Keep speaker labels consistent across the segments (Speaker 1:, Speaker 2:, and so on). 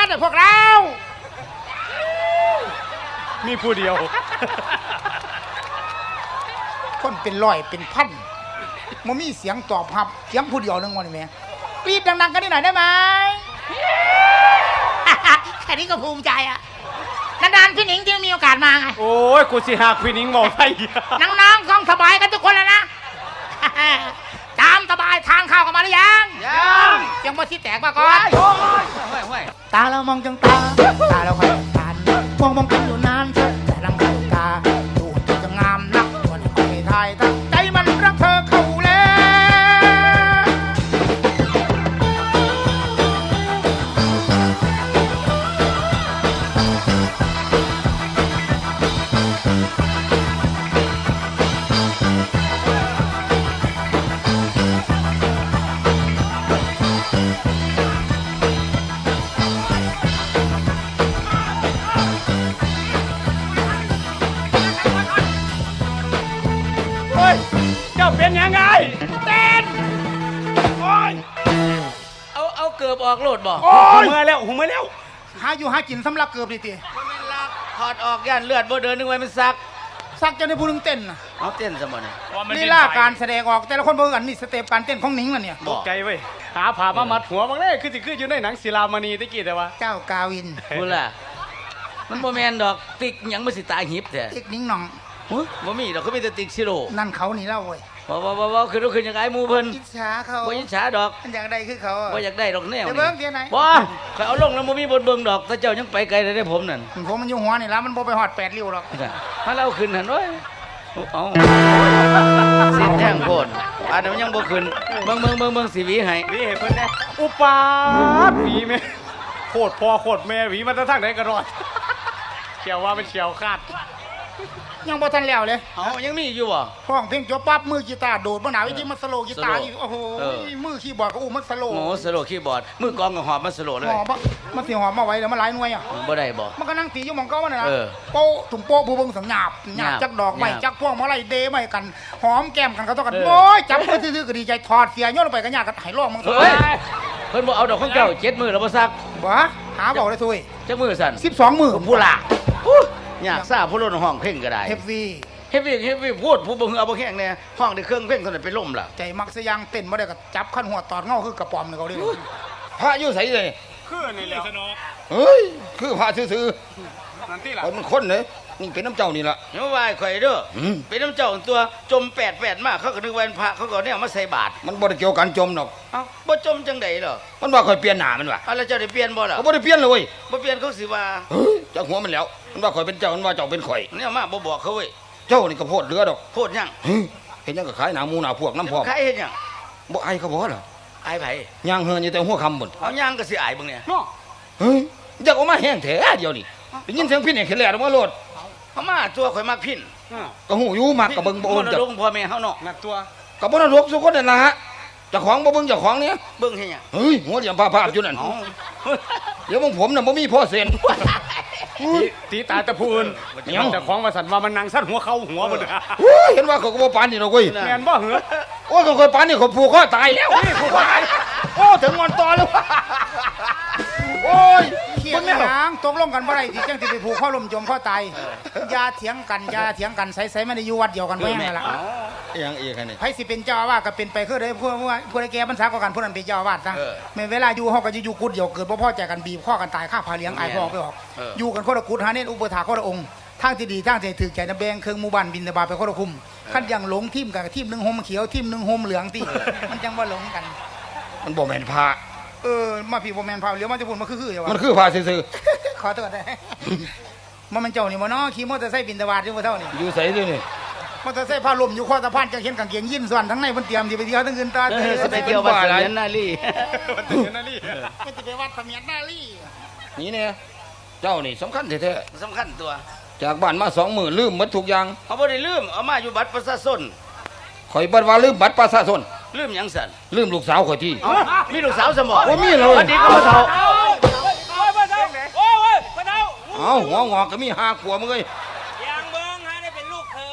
Speaker 1: แต่พวกเรา
Speaker 2: มีผู้เดียว
Speaker 1: คนเป็นร้อยเป็นพันมันมีเสียงตอบรับเสียงผู้เดียวนึงวันนี้แม่กรีดดังๆกันนิดหน่อยได้ไหมแค่นี้ก็ภูมิใจอ่ะนานๆพี่หนิงที่มีโอกาสมาไง
Speaker 2: โอ้ยกูสิหาพี่นิ้งมองไป
Speaker 1: น้องๆต้องสบายกันทุกคนแล้วนะตามสบายทานข้าวกันมาหรือยังยังบ่สิแตกมาก่อนตาเรามองจังตาเราคอยตามองกันอยู่นานแต่ลังตาดูจะงามนักวันนี้คอยทายตั้งใจมันรักเธอเข้าแล้ว
Speaker 2: เป็นยังไงเต้นโอ้ย
Speaker 3: เอาเกือบออกโลดบ่
Speaker 2: โอ้ยมาแล้ว
Speaker 1: หาอยู่หากินสำลักเกือบดิตี
Speaker 3: มันเป็นลักถอดออกย่านเลือดบ่เดินนึกไว้มันซัก
Speaker 1: จะได้พูดถึงเต้นนะ
Speaker 3: เอาเต้นซะบ่เนี่ย
Speaker 1: นี่ล่าการแสดงออกแต่ละคนบ่กันนี่สเต็ปการเต้นของหนิงล่ะเนี่ย
Speaker 2: ตกใจเว้ยหาผ่ามามัดหัวบางเลยคืออยู่ในหนังศิลามณีตะกี้แต่ว่า
Speaker 1: เจ้ากาวิน
Speaker 3: พูดล่ะมันบ่แม่นดอกติ๊กหยังบ่สิตายหิบแท้
Speaker 1: ติ๊กนิ้งหน่อง
Speaker 3: บ่มีดอกเขามีแต่ติ๊กซิโร่
Speaker 1: นั่นเขานี่เล่าเว้ย
Speaker 3: บ่ขึ้นยังไงหมู่เพิ่น
Speaker 1: อิจฉาเขา
Speaker 3: บ่อิจฉาดอก
Speaker 1: มันอยากได้คือเขา
Speaker 3: บ่อยากได้ดอกแนว
Speaker 1: นี่เบิ่งเดี๋ยวไหน
Speaker 3: บ่ข่อยเอาลงแล้วบ่มีบนเบิ่งดอกถ้าเจ้ายังไปไกลได้ผมนั่น
Speaker 1: ผมมันอยู่หัวนี่ล่ะมันบ่ไปฮอด8ริ้วหรอก
Speaker 3: ถ้าเราขึ้นหั่นโอ้ยเอาสิแท่งโพดอันนั้นมันยังบ่ขึ้นเบิ่งสิหวีให้
Speaker 2: หวีให้เพิ่นแน่อุปาทหวีแม่โคตรพ่อโคตรแม่หวีมันจะทางไหนก็รอดเขียวว่าเป็นเขียวคาด
Speaker 1: ยังบ่ทันแล้วเลย
Speaker 3: ยังมีอยู่บ่
Speaker 1: ห้องเพลงจบปั๊บมือกีตาร์โดดบ่หนาวอีที่มันสโลกีตาร์อีกโอ้โหมือคีย์บอร์ดก็มันสโล
Speaker 3: โอ้สโลคีย์บอร์ดมือกลองก็หอบมันสโลเลย
Speaker 1: หอบมันสิหอบมาไว้แล้วมันหลายหน่วยอ่ะ
Speaker 3: บ่ได้บ่
Speaker 1: มันก็นั่งตีอยู่หม่องเก่านั่นน่ะโป๊ะถุงโป๊ะผู้เบิ่งสังหยาบจักดอกไม้จักพวงมาลัยเดไม้กันหอมแก้มกันเขาต้องกันโอ้ยจับมือซื่อๆก็ดีใจถอดเสียโยนลงไปก็ยากก็ให้ร้องมึง
Speaker 3: เพิ่นบ่เอาดอกของเจ้า7มื้อแล้วบ่ซัก
Speaker 1: บ่หาบอกได้ซุย
Speaker 3: จักมื้อสั่น
Speaker 1: 12มื้อ
Speaker 3: ผู้ล่ะยากซ่าผู้ล้นห้องเพลงก็ได้
Speaker 1: เฮฟวี่
Speaker 3: พูดผู้บ่ฮือเอาบ่แห้งแน่ห้องได้เครื่องเพลงเท่านั้นไปล่มล่ะ
Speaker 1: ใจมักซะยังเต้นบ่ได้ก็จับขั้นหัวตอดเงาคือกระป๋อมนี่เขาดิ
Speaker 3: พระอยู่ไสเลย
Speaker 2: คือนี่แล้ว
Speaker 3: เฮ้ยคือพระซื่อ
Speaker 2: ๆนั่นติล่ะ
Speaker 3: คนเด้นี่เป็นน้ำเจ้านี่ล่ะอย่าว่าข่อยเด้อเป็นน้ำเจ้าตัวจม88มาเขาก็นึกว่าเป็นพระเขาก็เนี่ยมาใส่บาตรมันบ่ได้เกี่ยวกันจมดอกเอ้าบ่จมจังได๋เหรอมันว่าข่อยเปลี่ยนหน้ามันว่ะแล้วเจ้าได้เปลี่ยนบ่ล่ะบ่ได้เปลี่ยนเลยเว้ยบ่เปลี่ยนเขาสิว่าจักหัวมันแล้วมันว่าข่อยเป็นเจ้ามันว่าเจ้าเป็นข่อยเนี่ยมาบ่บอกเขาเว้ยเจ้านี่ก็โพดเรือดอกโพดยังเห็นยังก็ขายหนาหมูหนาพวกน้ำพอกขายเห็นยังบ่ไอ้เขาบ่เหรอไอ้ไผย่างเฮือนอยู่แต่หัวคำบุญเอาย่างก็สิไอ้บึงเนี่ยเฮ้ยอยากออกมาแห้งแท้เดียวนี่ได้ยินเสียงพินเนี่ยขึ้นแล้วมาโลดเขามาตัวข่อยมักพินก็หูอยู่มักกับเบิ่งบ่โอนจักลงพ่อแม่เฮาเนาะนักตัวกับบ่นรกสุคนนั่นล่ะฮะเจ้าของบ่เบิ่งเจ้าของเนี่ยเบิ่งเฮ็ดหยังเฮ้ยหัวเหลี่ยมภาพอยู่นั่นเดี๋ยวผมน่ะบ่มีพ่อเซ็น
Speaker 2: ตีตาตะพูนแต่ของว่าสันว่ามันนางสั้นหัวเข้าหัวมัน
Speaker 3: เห็นว่าเขาก็บ่ปานนี่ดอกเว้ย
Speaker 2: แม่นบ่เหรอ
Speaker 3: โอ้ยเขาเคยปานนี่เขาผูกคอตายแล้วผูกคอตายโอ้ถึงงอนตอแล้วโอ้ย
Speaker 1: เขียนหางตกลงกันบ่ได้ที่จังสิไปผูกข้อลมจมข้อตายอย่าเถียงกันใส่ๆไม่ได้อยู่วัดเดียวกันไว้แม่ล่ะ
Speaker 3: ยังอีกนี่
Speaker 1: ไผสิเป็นเจ้าอาวาสก็เป็นไปคือได้ผู้ใดแก่พรรษาก็กันผู้นั้นเป็นเจ้าอาวาสซะแม่เวลาอยู่เฮาก็อยู่กุดเดียวเกิดบ่พอใจกันบีบข้อกันตายฆ่าพาเลี้ยงอายพ่อไปออกอยู่กันคนละกุดหาเน้นอุปถาคนละองค์ทางที่ดีทางที่ถือใจนะแบ่งเครื่องหมู่บ้านบินตบาไปคนละคุมคันยังหลงทีมกับทีมนึงห่มเขียวทีมนึงห่มเหลืองติมันจังว่าหลงกัน
Speaker 3: มันบ่แม่นพระ
Speaker 1: มาพี่บ่แม่นพระเหลียวมันจะพูดมันคือ
Speaker 3: มันคือพระซื่อ
Speaker 1: ๆขอโทษได้มันเจ้านี่บ่เนาะขี่มอเตอร์ไซค์บินตบาอยู่บ่เท่านี่
Speaker 3: อยู่ไสด้วยนี่
Speaker 1: มอเตอร์ไซค์พาลมอยู่ข้อสะพานจังเห็นกางเกงยีนส่วนทั้งในเพิ่นเตรียมสิไปเที่ยวทั้งคืนตา
Speaker 3: สิไปเที่ยววัดเสมียนนาลี
Speaker 1: มันสิไปวัดเสมียนนาลี
Speaker 3: นี่เนี่ยเจ้านี่สำคัญแท้
Speaker 1: ๆสำคัญตัว
Speaker 3: จากบ้านมา2 มื้อลืมหมดทุกอย่าง
Speaker 1: เขาบ่ได้ลืมเอามาอยู่บัตรประชาชน
Speaker 3: ข่อยบ่ว่าลืมบัตรประชาชน
Speaker 1: ลืมหยังสั่น
Speaker 3: ลืมลูกสาวข่อยที่
Speaker 1: มีลูกสาวสมอง
Speaker 3: บ่มีเลย
Speaker 1: อดีตก็บ่เฒ่า
Speaker 3: เอาหัวงอกก็มี5 ขวบมึงเอ้ย
Speaker 1: ยังเบิ่งหาได้เป็นลูกเขย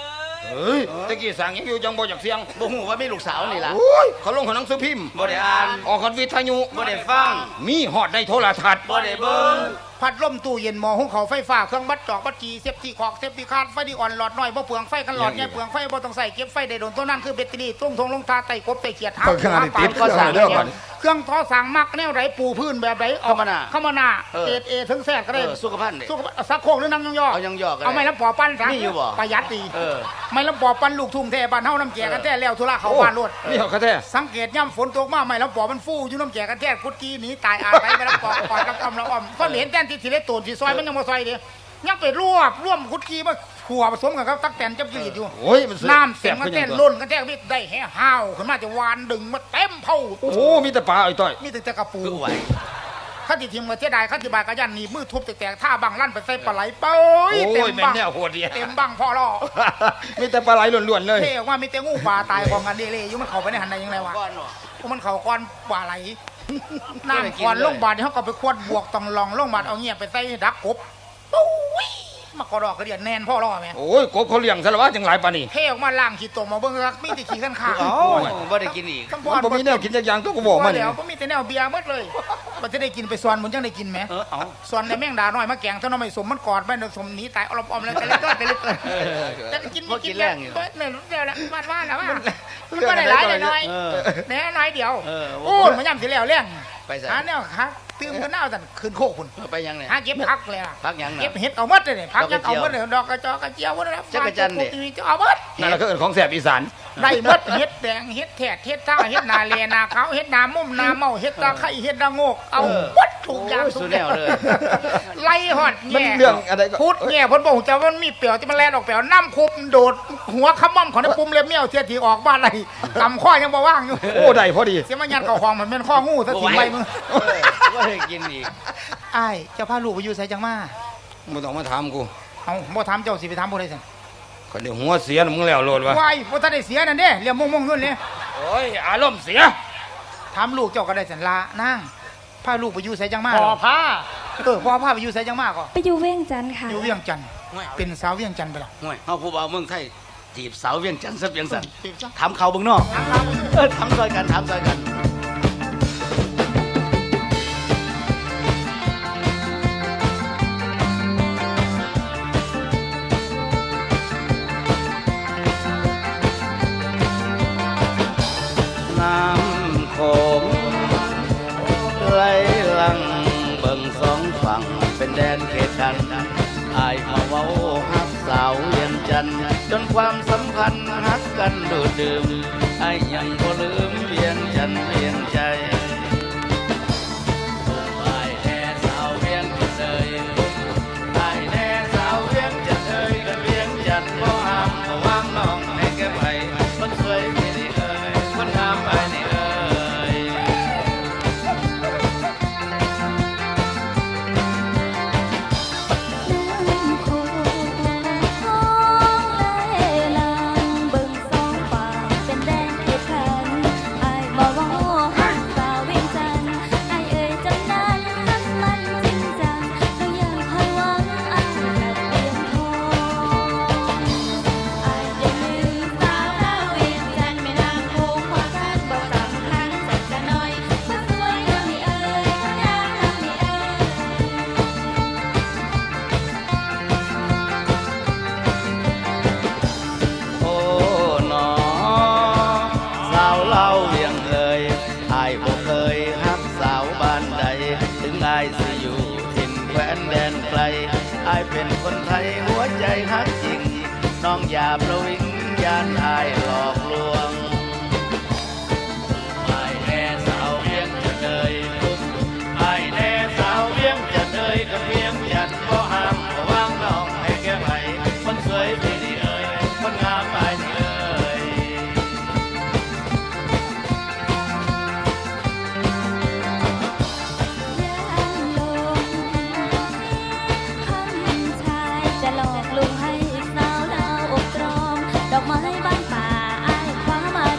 Speaker 3: เฮ้ยตะกี้สั่งยังอยู่จังบ่อยากเสียง
Speaker 4: บ่ฮู้ว่ามีลูกสาวนี่ล่ะ
Speaker 3: โอ้ยเขาลงของหนังสือพิมพ์
Speaker 4: บ่ได้อ่าน
Speaker 3: ออกคอนวิทยุ
Speaker 4: บ่ได้ฟัง
Speaker 3: มีฮอดได้โทรทัศน์
Speaker 4: บ่ได้เบิ่ง
Speaker 1: พัดลมตู้เย็นหม้อหุงข้าวไฟฟ้าเครื่องบัดจอกบัดจีเซฟตี้ขอกเซฟตี้คาดไฟที่อ่อนหลอดน้อยบ่เปลืองไฟกันหลอดใหญ่เปลืองไฟบ่ต้องใส่เก็บไฟได้โดนตัวนั้นคือแบตเตอรี่ตุ้งทงลงทาไต่กบไต่เขียดหา
Speaker 3: เครื่องอันนี้ติด
Speaker 1: ก็สั่ง
Speaker 3: เด้อก่อน
Speaker 1: เครื่องทอสั่งมักแนวไหนปูพื้นแบบไหนออกเข้ามาหน้าเกรดเอถึงแซดก็ได้
Speaker 4: สุขภาพนี่
Speaker 1: สุขสักโคกหรือน้ำยองยอ
Speaker 4: เอายังยอกก็ได้
Speaker 1: เอาไม่ลำปอปั้นซะ
Speaker 4: มีอยู่บ่
Speaker 1: ประหยัดดี
Speaker 4: เออ
Speaker 1: ไม่ลำปอปั้นลูกทุ่งแท้บ้านเฮาน้ำแจกันแท้แล้วธุระเขาบ้านรวด
Speaker 3: นี่เขาแท้
Speaker 1: สังเกตย่ำฝนตกมาไม่ลำปอมันฟูอยู่น้ำแจกันแท้กุดกี้หนีตายอาไปไม่ลำปอก่อนกับอมละอมก็เห็นแทนที่สิเลตูนสิซอยมันยังบ่ซอยดิยังไปร่วมกุดกี้มาขัวผสมกันกับตักแตนจับยีดอยู่
Speaker 3: โอ้ยมัน
Speaker 1: น้ำเสียงมันแท้ล้นกันแท้มิได้แห่ห้าวขึ้นมาจะวานดึงมาเต็มเผา
Speaker 3: โอ้มีแต่ปลาไอ้ต้อย
Speaker 1: มีแต่กระปู
Speaker 4: คือไหว
Speaker 1: ข้าติทิมมาเสียดายข้าติบายกระยันหนีมือทุบแตกท่าบังลั่นไปใส่ปลาไหลเป้ย
Speaker 3: โอ้
Speaker 1: เต็
Speaker 3: ย
Speaker 1: ม
Speaker 3: แม่น
Speaker 1: บัง
Speaker 3: แนวโหดดี
Speaker 1: เต็มบังพ่อล่อ
Speaker 3: มีแต่ปลาไหลล้วนๆเลย
Speaker 1: เท่ว่ามีแต่งูปลาตายกองกันเล่ๆอยู่มันเข้าไปในหันใดยังไงวะ
Speaker 4: ก้อนเนาะ
Speaker 1: พวกมันเข้าก้อนปลาไหลน้ำก้อนลงบาดเขาก็ไปควดบวกต้องลองลงบาดเอาเงียบไปใส่ดักกบโอ้ยมากระดอกกระเดียดแน่นพ่อล่อแม่
Speaker 3: โอ้ยกบเขาเลี้ยงซะแล้ววะจังหลายปานนี่
Speaker 1: เท่ออกมาล่างขีดตมมาเบิ่งรักมีแต่ขี้ข้าง
Speaker 4: เอ้า
Speaker 1: ๆ
Speaker 4: บ่ได้กินอีก
Speaker 1: ทั้ง
Speaker 3: มันบ่มีแนวกินจักอย่างตัวก็บอกมัน
Speaker 1: แล้วก็มีแต่แนวเบียร์หมดเลยมันจะได้กินไปสวนมันจังได้กินไหม
Speaker 4: เอา
Speaker 1: ส่วนในแมงดาน้อยมาแกงเท่าน้อยสมมันกอดแม่นสมหนีตายอลอมๆแล้วไปเลยก็ไปเลยแต่กิน
Speaker 4: บ่กินแรงอยู่
Speaker 1: เนี่ยเดียวแล้วมาแล้วว่ามันก็ได้หลายหน่อย
Speaker 4: เออ
Speaker 1: แน่น้อยเดียว
Speaker 4: เออ
Speaker 1: โอ้มันย่ำสิแล้วเลี้ยง
Speaker 4: ไปใส่
Speaker 1: หาแนวหาตื่มกันหน้าสั่นคืนโคกคุณ
Speaker 4: ไปยังเนี่ย
Speaker 1: หาเก็บผักเลยอะ
Speaker 4: พักยังน่ะ
Speaker 1: เก็บเห็ดเอาหมดเลยผักยังเอาหมดเลยดอกกระจอกกระเจียวหมดเลย
Speaker 4: จักรจันทร์ดิ
Speaker 1: จะเอาหมด
Speaker 3: นั่นแหละก็เอิ้นของแสบอีสาน
Speaker 1: ได้หมดเห็ดแดงเห็ดแถดเห็ดท่าเห็ดนาเลนาขาวเห็ดนามุ่มนาเมาเห็ดตาไข่เห็ดตาโงกเอาหมดทุกอย่าง
Speaker 4: โอ้ยสุดแนวเลย
Speaker 1: ไล่หอด
Speaker 3: มัน
Speaker 1: แง่
Speaker 3: เรื่องอะไรก็
Speaker 1: พูดแง่เพ้นบอกจะว่ามันมีเปลียวที่มันแลนออกเปลียวน้ำคุบโดดหัวขมั่มของในปุ่มเล็บเมี่ยวเทียทีออกบ้านไรตำข้อยังบ่ว่างอยู่
Speaker 3: โอ้ได้พอดี
Speaker 1: เสียมันยันเก่าของมันเป็นข้องูถ้าทิ้งไว้มึง
Speaker 4: บ่ได้กินอีก
Speaker 1: ไอ้ายเจ้าพาลูกไปอยู่ไสจังมา
Speaker 3: บ่ต้องมาถามกู
Speaker 1: เอาบ่ถามเจ้าสิไปถามบ่ได้สิ
Speaker 3: คนเดียวหัวเสียน่ะมึงแล้วโลดวะ
Speaker 1: วายบ่ทันได้เสียนั่นเด้เรียมม่วงๆนู่นเลย
Speaker 3: โอ้ยอารมณ์เสีย
Speaker 1: ถามลูกเจ้าก็ได้สันลานางพาลูกไปอยู่ไสจังมา
Speaker 2: พอผ้า
Speaker 1: พ่อพาไปอยู่ไสจังมาก็
Speaker 5: ไปอยู่เวียงจันทร์ค่ะ
Speaker 1: อยู่เวียงจันทน์เป็นสาวเวียงจันทน์ไปแล้ว
Speaker 4: ห่วยเฮาผู้บ่าวเมืองไทยจีบสาวเวียงจันทน์ซะเวียงสัน
Speaker 1: จีบซะ
Speaker 4: ถามเขาเบิ่งเนาะถามซอยกันถามซอยกัน น้ำโขงไหลหลังเบิ่งสองฝั่งเป็นแดนเขตกันอายมาเว้าฮักสาวเวียงจันทน์จนความสัมพันธ์ฮักกันดูดดื่มอายยังบ่ลืมเวียงจันทน์เวียงใจอายแน่สาวเวียงจันทน์เอ่ยอายแน่สาวเวียงจันทน์เอ่ยกันเวียงจันทน์บ่ห้ามบ่วางน้องให้แกไปคนสวยที่นี่เอ่ยคนงามไปนี่เอ่ย
Speaker 5: น้ำโขงไหลหลังเบิ่งสองฝั่งเป็นแดนเขตขันอายบ่เว้าฮักสาวเวียงจันทน์อายเอ่ยจำนั้นฮักมันจริงจังเรายังคอยหวังอันนัดเพียงพออายอย่าลืมสาวดาวเวียงจันทน์แม่นางโขงความรักบ่สำคัญสักจะน้อยคนสวยงามนี่เอ่ยคนงามงามนี่เอ่ย
Speaker 4: โอ้หนอสาวเล่าเวียงเอ่ยอายบ่เคยฮักสาวบ้านใด ถึงอายสิอยู่ถิ่นแคว้นแดนไกลอายเป็นคนไทยหัวใจฮักจริง น้องอย่าประวิงยานอายหลอกลวงอายแน่สาวเวียงจะเอ่ยอายแน่สาวเวียงจะเอ่ยกับเวียงจันทน์บ่ห้ามบ่วางน้องให้แกไปคนสวยที่นี่เอ่ยคนงามไปนี่เอ่ย
Speaker 5: ย่างลงคำชายจะหลอกลวงให้สาวดาวอกตรอม ดอกไม้บ้านป่าอายคว้ามา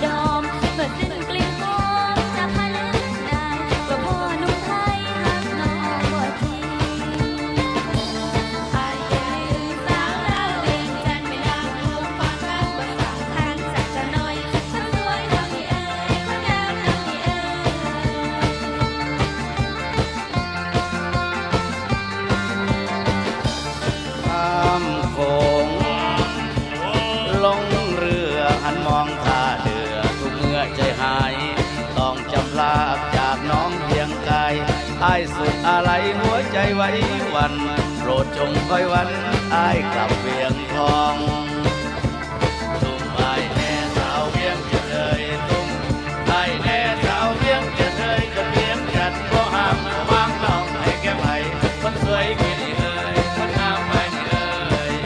Speaker 4: สุดอะไรหัวใจไว้วันโปรดจงคอยวันอายกลับเวียงทองตุ้มอายแน่สาวเวียงจะเลยตุ้มอายแน่สาวเวียงจะเลยก็เวียงจันทร์บ่ห้ามวางน้องให้แก้ไผคนสวยกี่ดีเอ่ยคนงามไปนี่เอ่ย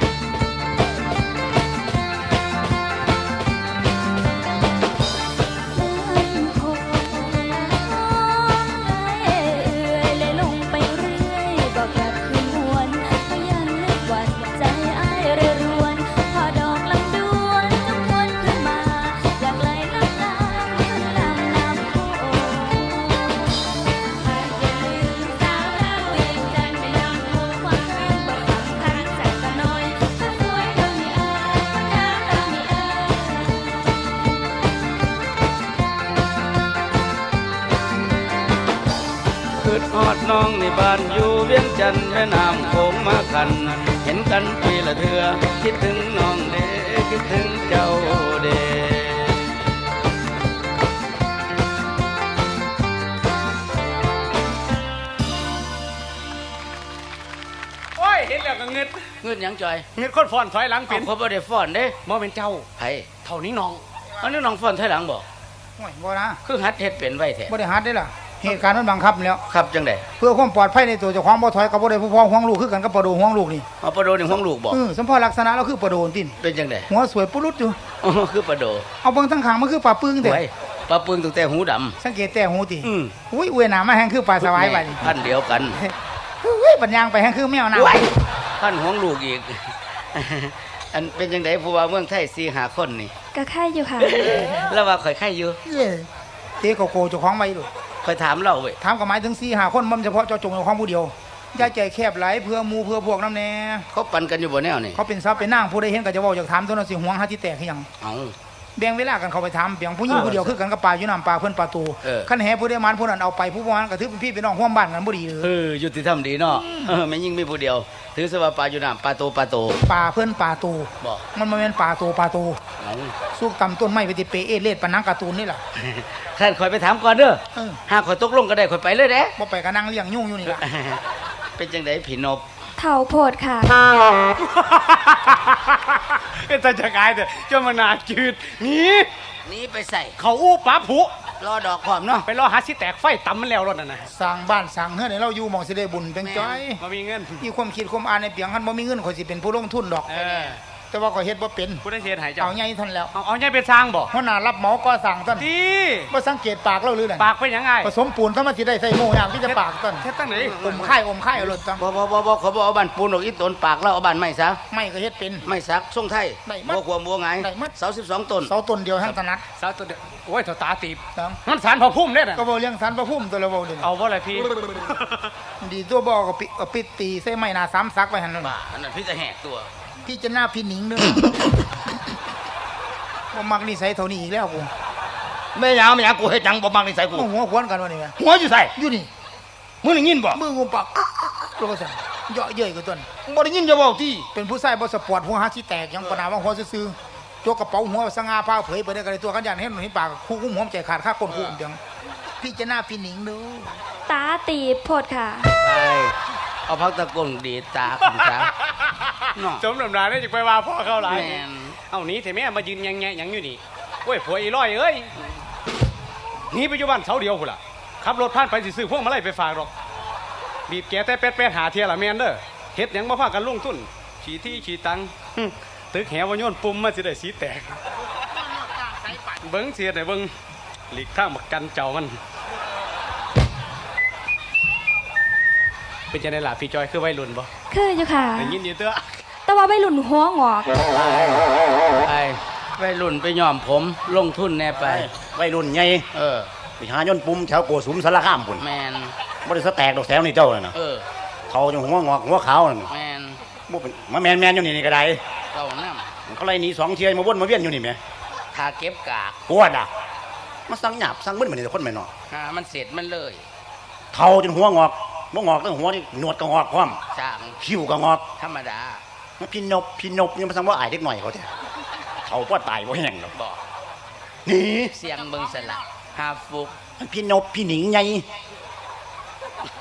Speaker 5: คงเอ่ยเลยลงไปเรื่อยบอกกลับคืนหวนก็ยังนึกหวั่นใจอ้ายเรือรวนพอดอกลำดวนจงวนขึ้นมาอยากไหลน้ำตาลำน้ำโขงหากอย่าลืมสาวเราเวียงจันทร์ไม่ยอมรู้ความรักบ่สำคัญสักแต่น้อยถ้าสวยเท่านี้เอ่ยคนงามเท่านี้เอ่ย
Speaker 4: คืดฮอดน้องในบ้านอยู่เวียงจันทน์แม่น้ำโขงมาขัน เห็นกันปีละเทือคิดถึงน้องเด้คิดถึงเจ้าเด้
Speaker 2: โอ้ยเห็นแล้วก็เงิด
Speaker 4: เงินหยังจอย
Speaker 2: เงิดคนฟ้อนถอยหลัง
Speaker 4: เป็
Speaker 2: เป็น น
Speaker 4: เขาบ่ได้ฟ้อนเด้
Speaker 2: บ่เป็นเจ้า
Speaker 4: ไผ
Speaker 2: เท่านี้น้อง
Speaker 4: อันนี้น้องฟ้อนถอยหลังบ่
Speaker 1: โอ้ยบ่นะ
Speaker 4: คือหัดเฮ็ดเป็นไว้แท้
Speaker 1: บ่ได้หัดได้ล่ะเหตุการณ์มันบังคับแล้ว
Speaker 4: ครับจังได๋
Speaker 1: เพื่อความปลอดภัยในตัวเจ้าของบ่ถอยกับบ่ได้ผู้พ้องห่วงลูกคือกันกับปลาโดห่วงลูกนี่
Speaker 4: เอาปลาโดนี่ห้องลูกบ่
Speaker 1: สมพอลักษณะเราคือปลาโดนติน
Speaker 4: เป็นจังได๋
Speaker 1: หัวสวยปุรุษอยู่
Speaker 4: อ๋อคือปลาโด
Speaker 1: เอาเบิ่งทั้งข้างมันคือปลาปึ้งแต่
Speaker 4: ไว้ปลาปึงตั้งแต่หูดำ
Speaker 1: สังเกตแต่หูติ
Speaker 4: อืม
Speaker 1: อุ้ยอวยหน้ามาแฮงคือปลาสวายบัดนี้
Speaker 4: พันเดียวกัน
Speaker 1: อุ้ยปัญญางไปแฮงคือแมวน้ำ
Speaker 4: พันห้องลูกอีก อันเป็นจังได๋ผู้ว่าเมืองไทย4-5คนนี่
Speaker 5: ก็ค่ายอยู่ค่ะ
Speaker 4: แล้วว่าข่อยไข่อยู่
Speaker 1: เอ้ยเตะโกโก้เจ้าของไว้ดู
Speaker 4: ข่อยถามเราเว้ย
Speaker 1: ถามก็หมายถึง4-5คนบ่เฉพาะเจ้าจงเจ้าของผู้เดียวอย่าใจแคบหลายเพื่อหมู่เพื่อพวกนำแน่
Speaker 4: เขาปั่นกันอยู่บ่แนวนี่
Speaker 1: เขาเป็นทรัพย์เป็นนางผู้ใดเห็นก็จะเว้าอยากถามตัวนั้นสิห่วงหาที่แตกคือหยัง
Speaker 4: เอา
Speaker 1: แบ่งเวลากันเข้าไปถามเพียงผู้หญิงผู้เดียวคือกันกับปลาอยู่น้ำปลาเพิ่นปลาตู
Speaker 4: เออ
Speaker 1: คันแหผู้ใดมันผู้นั้นเอาไปผู้บ่มันก็ถือเป็นพี่เป็นน้องร่วมบ้านกันบ่ดีเด้อ
Speaker 4: ยุติธรรมดีเนาะแม่นยิ่งมีผู้เดียว ถือซะว่าปลาอยู่น้ำปลาโตปลาโต
Speaker 1: ปลาเพิ่นปลาตู
Speaker 4: บ่
Speaker 1: มันบ่แม่นปลาตูปลาตู
Speaker 4: เอา
Speaker 1: สุกตำต้นไม้ไปติเปเอเลดปานหนังการ์ตูนนี่ล่ะ
Speaker 4: ท่านข่อยไปถามก่อนเด้อ
Speaker 1: เออ
Speaker 4: หากข่อยตกลงก็ได้ข่อยไปเลยเด้
Speaker 1: บ่ไปก็นั่งเลี้ยงยุ่งอยู่นี่ล่ะ
Speaker 4: เป็นจังไดผีนบ
Speaker 5: เถ่าโพดค่ะ
Speaker 2: เป็นตาจะกายเด้อเจ้ามานาจืดหนี่
Speaker 4: นี่ไปใส่
Speaker 2: เขาอู้ปลาผุ
Speaker 4: รอดอกพร้อมเนาะ
Speaker 2: ไปรอหาสิแตกไฟตำมันแล้วรถนั่นน่ะ
Speaker 1: สร้างบ้านสร้างเฮือนให้เราอยู่หม่องสิได้บุญเป็นจ้อย
Speaker 2: บ่มีเงิน
Speaker 1: มีความคิดความอ่านในเปียงคันบ่มีเงินข่อยสิเป็นผู้ลงทุนดอก
Speaker 2: เออ
Speaker 1: แต่ว่าข่อยเฮ็ดบ่เป็น
Speaker 2: ผู้ได้เสียหายเจ้า
Speaker 1: เอาใหญ่เท่านนแล้ว
Speaker 2: เอาใหญ่เป็นสร้างบ่
Speaker 1: หัวหน้ารับเหมาก่อสร้างต้น
Speaker 2: ดี
Speaker 1: บ่สังเกตปากเราหรือไง
Speaker 2: ปากเป็นหยังไง
Speaker 1: ผสมปูนซะมันสิได้ใส่โม่ยางที่จะปากต้น
Speaker 2: เฮ็ดตั้งไหน
Speaker 1: อมไข่เอารถต้น
Speaker 4: บ่เขาบ่เอาบ้านปูนออกอีตนปากแล้วเอาบ้านไม้ซะ
Speaker 1: ไม่ก็เฮ็ดเป็น
Speaker 4: ไม้สักทรงไทย
Speaker 1: ได้มัด
Speaker 4: บ่ควมบ่ไง
Speaker 1: ได้มัด
Speaker 4: เสา12ต้น
Speaker 1: เสาต้นเดียวทั้งถนัด
Speaker 2: สาวตัวเดียวโอ้ยเถาตาตีบ
Speaker 1: ตัง
Speaker 2: มันสารพอพุ่มเด้น่ะ
Speaker 1: ก็บ่เลี้ยงสันพระพุ่มตัวละเว้าเด้
Speaker 2: เอาบ่ล่ะพี่
Speaker 1: ดีตัวบ่ก็ปิดตีใส่ไม้หน้าสามซักไว้หั่นนั่น
Speaker 4: บ้าอันนั้นพี่จะแหกตัว
Speaker 1: พี่จะหน้าพี่หนิงเด้อบ่มักนิสัยเท่านี้อีกแล้วกู
Speaker 3: แม่ยาวแม่ยาวกูเฮ็ดหยังบ่มักนิสัยกู
Speaker 1: โอ้หัวควนกันวะนี่แม่
Speaker 3: หัวอยู่ใส่
Speaker 1: อยู่นี่
Speaker 3: มึงได้ยินบ่
Speaker 1: มืองูปากตัวก็สั่นเยาะเย้ยกับต้น
Speaker 3: บ่ได้ยินจะเว้าที่
Speaker 1: เป็นผู้ชายบ่สปอร์ตหัวหักสิแตกยังปะนาว่าหัวซื่อๆตัวกระเป๋าหัวสง่าผ้าเผยไปได้ก็ได้ตัวกันยันเห็นเห็นปากคู่คุ้มหอมใจขาดค่าก้นคู่เดียวพี่จะหน้าพี่หนิงเด้อ
Speaker 5: ตาตีบโพดค่ะ
Speaker 4: ไปเอาพักตะกงดีดตาคุณจ้าเนาะ
Speaker 2: สมน้ำหน้าได้จักไปว่าพ่อเข้าหลาย
Speaker 4: แม่น
Speaker 2: เอาหนีเถอะแม่มายืนแงะๆหยังอยู่นี่โอ้ยผัวอีร้อยเอ้ยหนีไปอยู่บ้านเสาเดียวพุ่นล่ะขับรถผ่านไปสิซื้อพวงมาลัยไปฝากหรอกบีบแกแต่เป็ดๆหาเที่ยละแม่นเด้อเฮ็ดหยังบ่พากันลงทุนขี่ที่ขี่ตังหึตึกแหวโยนปุ่มมาสิได้สีแตกเบิ่งเสียได้เบิ่งหลีกทางบักกันเจ้ามันเป็นจังได๋ล่ะพี่จอยคือวัยรุ่นบ่
Speaker 5: คืออยู่ค่ะ
Speaker 2: ได้ยินอยู่เด้อ
Speaker 5: แต่ว่าไม่หลุนหัวงอก
Speaker 4: ไปไปรุ่นไปย้อมผมลงทุนแน่ไป
Speaker 3: วัยรุ่นใหญ่
Speaker 4: เออ
Speaker 3: ไปหาย่นปุ่มแถวโกสุมสารคามพุ่น
Speaker 4: แมน
Speaker 3: บ่ได้สแตกดอกแถวนี่เจ้าน่ะนะ
Speaker 4: เออ
Speaker 3: เขาจังหัวงอกหัวขาวนั่น
Speaker 4: แมน
Speaker 3: บ่เป็นมาแม่นๆอยู่นี่ก็ได้
Speaker 4: เก้าน้
Speaker 3: เขาไล่หนี2เที่ยมาวนมาเวียนอยู่นี่แหม
Speaker 4: ำทาเก็บกาก
Speaker 3: ปวดอ่ะมาสั่งหยาบสั่งเบิ้นเหมือนแต่คนแม่นเนาะ
Speaker 4: มันเสร็จมันเลย
Speaker 3: เฒ่าจนหัวงอกบ่งอกตั้งหัวนี่หนวดก็งอกพร้อม
Speaker 4: ช่าง
Speaker 3: คิ้วก็งอก
Speaker 4: ธรรมดา
Speaker 3: มาพี่นบยังมาสั่งว่าอายเด็กหน่อยเขาแท้เฒ่าบ่ตายบ่แห้งหรอก
Speaker 4: บอก
Speaker 3: หนี่
Speaker 4: เสียงเบิงสลักหาฟุก
Speaker 3: พี่นบพี่หนิงไง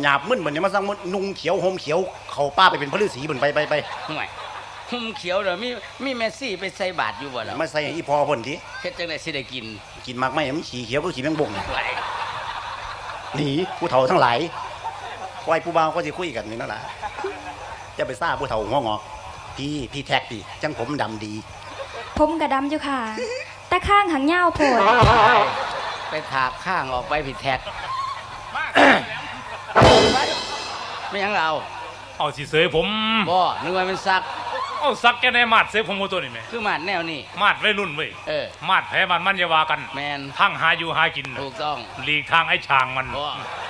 Speaker 6: หยาบมึนเหมือนเนี่ยมาสร้างมึนนุ่งเขียวห่มเขียวเขาป้าไปเป็นพระฤาษีเหมือนไป
Speaker 3: ห่วยหุ่มเขียวเด้อมีเมสซี่ไปใส่บาตรอยู่บ่ล่ะ
Speaker 6: มาใส่ให้อีพอเพิ่นที
Speaker 3: เฮ็ดจังได๋สิได้กิน
Speaker 6: กินมากไหมมันขี่เขียวก็ขี่แมงบงเนี่ย
Speaker 3: ไหว
Speaker 6: หนีผู้เฒ่าทั้งหลายไว้ผู้บ่าวก็สิคุยกันนี่นั่นแหละจะไปซ่าผู้เฒ่าหัวงอกพี่แท็กพี่จังผมดำดี
Speaker 5: ผมกระดำอยู่ค่ะ แต่ข้างหางเง่าโผล่
Speaker 3: ไปถากข้างออกไปผิดแท็กไม่หยังเรา
Speaker 7: เอาสิเสยผม
Speaker 3: บ่นึกว่ามันซัก
Speaker 7: เอาซักแกในมาดเสยผมตัวนี่แม่
Speaker 3: คือมาดแนวนี้
Speaker 7: มาดไว้รุ่นเว้ย มาดแพ้มันอย่าว่ากัน
Speaker 3: แมน
Speaker 7: ทั้งหาอยู่หากินน่ะ
Speaker 3: ถูกต้อง
Speaker 7: หลีกทางไอ้ช่างมัน
Speaker 3: บ่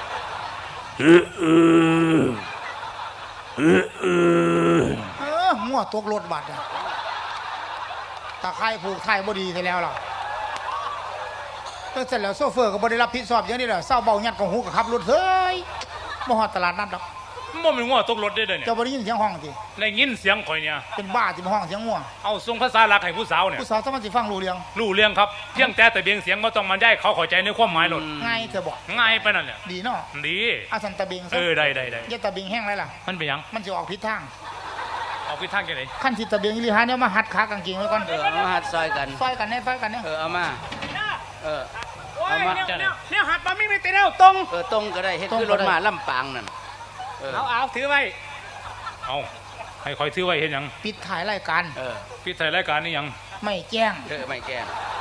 Speaker 1: มั่วตกรถบัตรอะตาไคร่ผูกไทยบ่ดีไปแล้วล่ะตั้งเสร็จแล้วโซเฟอร์ก็บ่ได้รับผิดชอบอย่างนี้แหละเศร้าเบาหยัดของหูกับขับรถเฮ้ยบ่ฮอดตลาดนัดดอก
Speaker 7: มันเป็นง้อตกรถได้เลยเนี่ย
Speaker 1: เจ้าบ่ได้ยินเสียงห้องติ
Speaker 7: ได้ยินเสียงข่อยเนี่ย
Speaker 1: เป็นบ้าที่มาห้องเสียงงัว
Speaker 7: เอาส่งภาษาหลักให้ผู้สาวเนี่ย
Speaker 1: ผู้สาวสามารถสิฟังรู้เรื่อง
Speaker 7: รู้เรื่องครับเพียงแต่เบียงเสียงบ่ต้องมันได้เขาเข้าใจในความหมายหลด
Speaker 1: ง่ายเธอบอก
Speaker 7: ง่ายไปนั่นแหละ
Speaker 1: ดีเนาะ
Speaker 7: ดี
Speaker 1: อาสันตะเบงซะ
Speaker 7: ได้
Speaker 1: อย่าตะเบงแห้งไรล่ะ
Speaker 7: มันเป็นหยัง
Speaker 1: มันจะออกผิดทาง
Speaker 7: เอาไปทางแกไหน
Speaker 1: ขั้นที่ตะเบงอีหลีหาเนี่ยมาหัดขากางเกงไว้ก่อน
Speaker 3: เอามาหัดซอยกัน
Speaker 1: ซอยกันแน่ซอยกันแน่
Speaker 3: เอามาเอามา
Speaker 7: เนี่ยหัดมาไม่ไปเตะแล้วตรง
Speaker 3: ตรงก็ได้เฮ็ดคือรถมาลำปางนั่น
Speaker 7: เอาถือไว้เอาให้คอยถือไว้เห็นหยัง
Speaker 1: ปิดถ่ายรายการ
Speaker 7: พี่ถ่ายรายการนี่หยัง
Speaker 1: ไม่แจ้ง
Speaker 3: ไม่แก้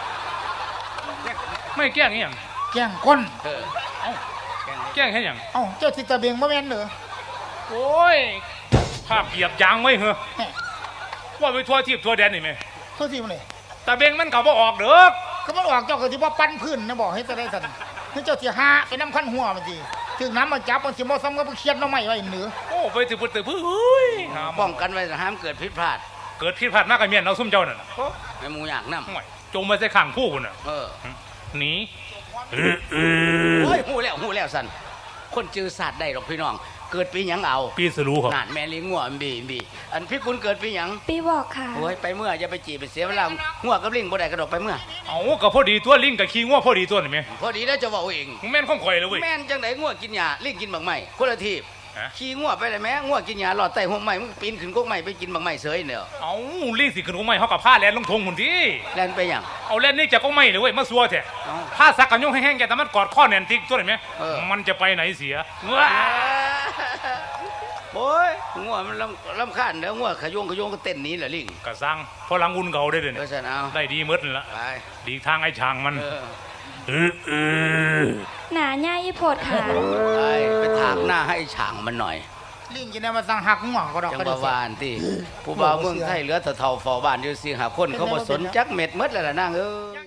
Speaker 7: ไม่แกล้งนี่หยัง
Speaker 1: แจ้งก้น
Speaker 7: แกล้งให้หยัง
Speaker 1: เอ้าเจ้าที่ตะเบงบ่แม่นเหรอ
Speaker 7: โอ้ยภาพเหยียบยางไว้เหรอ
Speaker 1: แหม่
Speaker 7: ว่าไปทั่วทิพย์ทั่วแดนนี่ไหม
Speaker 1: โทษทีมันเลย
Speaker 7: ตาเบงมันเขาบ่ออกเด้อ
Speaker 1: ก็มันออกเจ้าก็สิบ่ปั้นพื้นนะบอกให้จะได้สั่นนี่เจ้าสิหาไปน้ำคันหัวมันสิถึงน้ำมาจับมันสิบ่ซ้ำกับเคียดน้ำใหม่ไว้เหนือ
Speaker 7: โอ้ไปถือปืนถือปืนเฮ้ย
Speaker 3: ป้องกันไว้ห้ามเกิดผิดพลาด
Speaker 7: เกิดผิดพลาดมากกับเมียนเอาซุ่มเจ้านั่นน่ะ
Speaker 3: ไม่มูอยากนำ
Speaker 7: ห่วยจงมาใส่ข้างผู้คุณน่ะหนี
Speaker 3: โอ้ยหูแล้วสันคนจือศาสตร์ได้หรอกพี่น้อง เกิดปีหยังเอา
Speaker 7: พี่สรู้ครับ
Speaker 3: นานแม่เลี้ยงงัวบีอันพี่คุณเกิดปีหยัง
Speaker 5: ปีบอกค่ะ
Speaker 3: โอ้ยไปเมื่ออย่าไปจีบไปเสียเวลางัวกับลิงบ่ได้กระดกไปเมื่อ
Speaker 7: เอาก็พอดีตัวลิงกับขี้ง้อพอดีตัวนี่ไหม
Speaker 3: พอดีแล้วจะบอกเอง
Speaker 7: มึงแม่นข้องข่อยเลยเว้ย
Speaker 3: แม่นจังไดงัวกินหญ้าลิงกินบักไม้คนละทีบ
Speaker 7: ฮะ
Speaker 3: ขี่งัวไปเลยแม่งัวกินหญ้าหลอดใต้หัวไม้มึงปีนขึ้นกกไม้ไปกินบักไม้เสยเด้อ
Speaker 7: เอาลิงสิขึ้นของไม่เขากับผ้าแลนลงทงหุ่นที่
Speaker 3: แล่นไปหยัง
Speaker 7: เอาแลนนี่จากก็ไม่เลยเว้ยมาซัวแท้
Speaker 3: เอ้า
Speaker 7: ผ้าสักกันยงแห้งๆแกแต่มันกอดข้อแน่นติ๊กตัวนี่ไหม มันจะไปไหนเสีย
Speaker 3: โอ้ยงัวมันลำคาญเด้องัวขยงก็เต้นหนี้แหละลิง
Speaker 7: กระซังพอหลังอุ่นเก่าได้เลย
Speaker 3: เพราะฉะนั้นเอา
Speaker 7: ได้ดีหมดนั่นละ
Speaker 3: ไป
Speaker 7: ดีทางไอ้ช่างมัน
Speaker 5: หนาใหญ่โผดค่ะ
Speaker 3: ไปถากหน้าให้ฉางมันหน่อย
Speaker 1: ลิงกินได้มาสั่งหักหัวก็ดอก
Speaker 3: จัง
Speaker 1: ก็
Speaker 3: บ
Speaker 1: ได้
Speaker 3: วานที่ผู้บ่าวเมืองไทยเหลือแต่เท่าเฝ้าบ้านอยู่สิหาคนเขาบ่สนจักเม็ดหมดแล้วล่ะนางเอ้ย